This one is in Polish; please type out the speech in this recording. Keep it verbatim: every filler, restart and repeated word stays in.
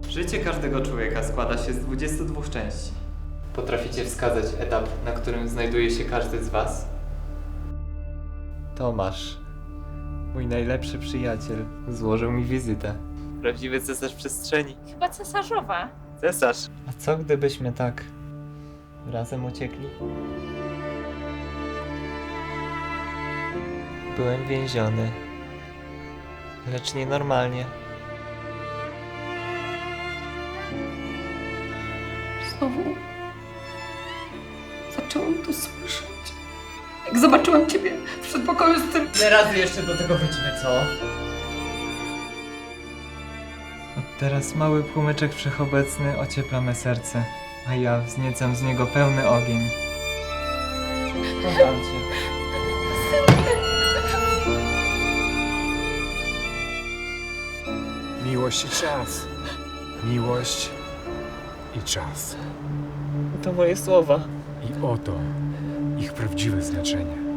Życie każdego człowieka składa się z dwudziestu dwóch części. Potraficie wskazać etap, na którym znajduje się każdy z was? Tomasz, mój najlepszy przyjaciel, złożył mi wizytę. Prawdziwy cesarz przestrzeni. Chyba cesarzowa. Cesarz! A co gdybyśmy tak razem uciekli? Byłem więziony, lecz nienormalnie. Znowu zaczęłam to słyszeć. Jak zobaczyłam ciebie w przedpokoju z tym... Ile razy jeszcze do tego wrócimy, co? Od teraz mały płomyczek wszechobecny ociepla me serce, a ja wzniecam z niego pełny ogień. Kocham cię. Miłość i czas. Miłość i czas. To moje słowa. I oto ich prawdziwe znaczenie.